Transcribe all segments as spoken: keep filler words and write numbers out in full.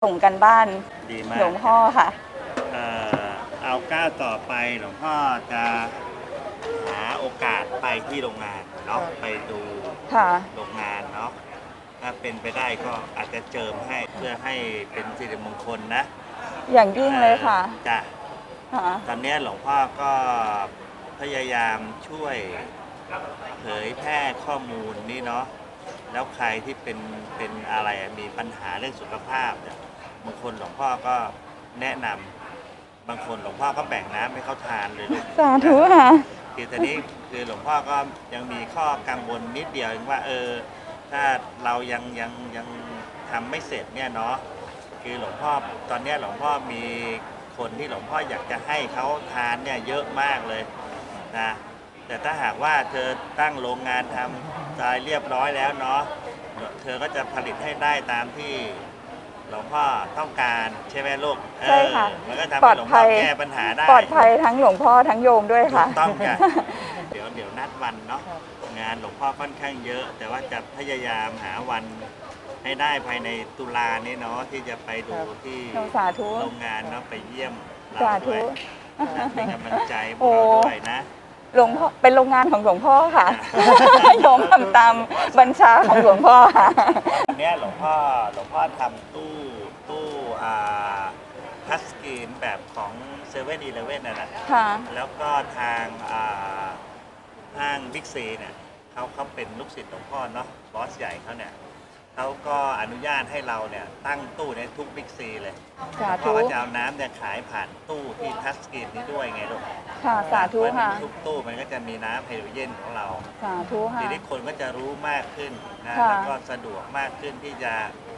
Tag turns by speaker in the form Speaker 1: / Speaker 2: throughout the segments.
Speaker 1: ส่งกันบ้าน
Speaker 2: ดีมาก
Speaker 1: หลวงพ่อค่ะ
Speaker 2: เอ่อเอาก้าวต่อไปหลวงพ่อจะหาโอกาสไปที่โรงงานเนาะไปดู
Speaker 1: ค่ะ
Speaker 2: โรงงานเนาะถ้าเป็นไปได้ก็อาจจะเจิมให้เพื่อให้เป็นสิริมงคลนะ
Speaker 1: อย่างยิ่งเลยค่ะ
Speaker 2: จ้ะ
Speaker 1: ค่ะ
Speaker 2: ตอนนี้หลวงพ่อก็พยายามช่วยเผยแพร่ข้อมูลนี่เนาะแล้วใครที่เป็นเป็นอะไรมีปัญหาเรื่องสุขภาพเนี่ยบางคนหลวงพ่อก็แนะนำบางคนหลวงพ่อก็แบ่งน้ำให้เขาทานเลยลูก
Speaker 1: สาธุค่ะ
Speaker 2: คือตอนนี้คือหลวงพ่อก็ยังมีข้อกังวลนิดเดียวว่าเออถ้าเรายังยังยังทำไม่เสร็จเนี่ยเนาะคือหลวงพ่อตอนนี้หลวงพ่อมีคนที่หลวงพ่ออยากจะให้เขาทานเนี่ยเยอะมากเลยนะแต่ถ้าหากว่าเธอตั้งโรงงานทำอะไรเรียบร้อยแล้วเนาะเธอก็จะผลิตให้ได้ตามที่หลวงพ่อต้องการใช่ไหมลูก
Speaker 1: ใช่ค่ะ
Speaker 2: มันก็ทำให้หลวงพ่อแก้ปัญหาได้
Speaker 1: ปลอดภัยทั้งหลวงพ่อทั้งโยมด้วยค่ะ
Speaker 2: ต้องค่ะเดี๋ยวเดี๋ยวนัดวันเนาะงานหลวงพ่อค่อนข้างเยอะ แต่ว่าจะพยายามหาวันให้ได้ภายในตุลานี้เนาะที่จะไปดูที่โรงงานเนาะไปเยี่ยมเราด้วยเป็นกำลังใจพวกเราด้วยนะ
Speaker 1: หลวงพ่อเป็นโรงงานของหลวงพ่อค่ะโยมทำตามบัญชาของหลวงพ่อค่ะ
Speaker 2: อันนี้หลวงพ่อหลวงพ่อทำตู้ตู้อ่าทัชสกรีนแบบของเซเว่นอีเลฟเว่นนะนะแล้วก็ทางอ่าห้างบิ๊กซีเนี่ยเขาเขาเป็นลูกศิษย์หลวงพ่อเนาะบอสใหญ่เขาเนี่ยเขาก็อนุญาตให้เราเนี่ยตั้งตู้ในทุกบิ๊กซีเลยเพราะว่าจะเอาน้ำเนี่ยขายผ่านตู้ที่ทัชสกรีนนี้ด้วยไงลูก
Speaker 1: ค่ะสาธุค่ะ
Speaker 2: ทุกตู้มันก็จะมีน้ำไฮโดรเจนของเรา
Speaker 1: สาธุค่ะ
Speaker 2: ทีนี้คนก็จะรู้มากขึ้นนะแล้วก็สะดวกมากขึ้นที่จะ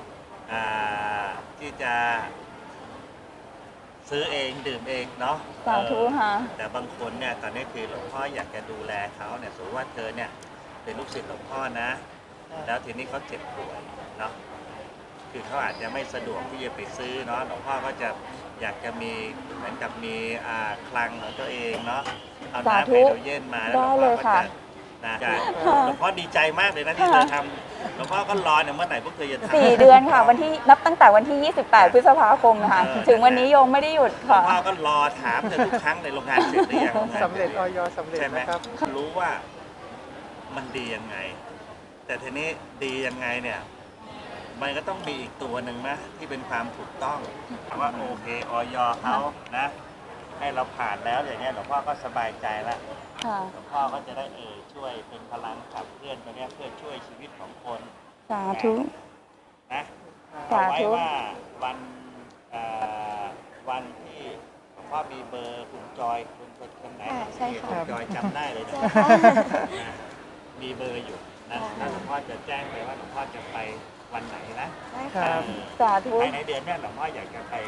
Speaker 2: ที่จะซื้อเองดื่มเองเนาะ
Speaker 1: สาธุค่ะ
Speaker 2: แต่บางคนเนี่ยตอนนี้คือหลวงพ่ออยากจะดูแลเขาเนี่ยสมมติว่าเธอเนี่ยเป็นลูกศิษย์หลวงพ่อนะแล้วทีนี้เขาเจ็บป่วยเนาะคือเขาอาจจะไม่สะดวกที่จะไปซื้อเนาะหลวงพ่อก็จะอยากจะมีเหมือนกับมีคลังของตัวเองเนาะเอาน้ำไฮโดรเจนมาแล้วหลวงพ่อก็จะนะหลวงพ่อดีใจมากเลยนะที่เธอทำหลวงพ่อก็รอเนี่ยเมื่อไหร่พวกเธอจะทำ
Speaker 1: สี่เดือนค่ะวันที่นับตั้งแต่วันที่ยี่สิบแปดพฤษภาคมนะคะถึงวันนี้โยมไม่ได้หยุดค่ะ
Speaker 2: หลวงพ่อก็รอถามเธอทุกครั้งในโรงงานเสร็จหรือยัง
Speaker 3: สำเร็จออยสำเร็จนะครับ
Speaker 2: รู้ว่ามันดียังไงแต่ทีนี้ดียังไงเนี่ยมันก็ต้องมีอีกตัวหนึ่งนะที่เป็นความถูกต้องว่าโอเคออยเขานะให้เราผ่านแล้วอย่างเงี้ยหลวงพ่อก็สบายใจแล้วหลวงพ่อก็จะได้เออช่วยเป็นพลังขับเคลื่อนตัวเนี้ยเพื่อช่วยชีวิตของคน
Speaker 1: สาธุ
Speaker 2: นะเอาไว้ว่าวันวันที่หลวงพ่อมีเบอร์คุณจอยคุณคนไหนคุณจอยจำได้เลยนะมีเบอร์อยู่นะแล้วหลวงพ่อจะแจ้งไปว่าหลวงพ่อจะไปวันไหนนะ
Speaker 1: สาธุ
Speaker 2: ภายในเดือนนี้หลวงพ่ออยากจะไป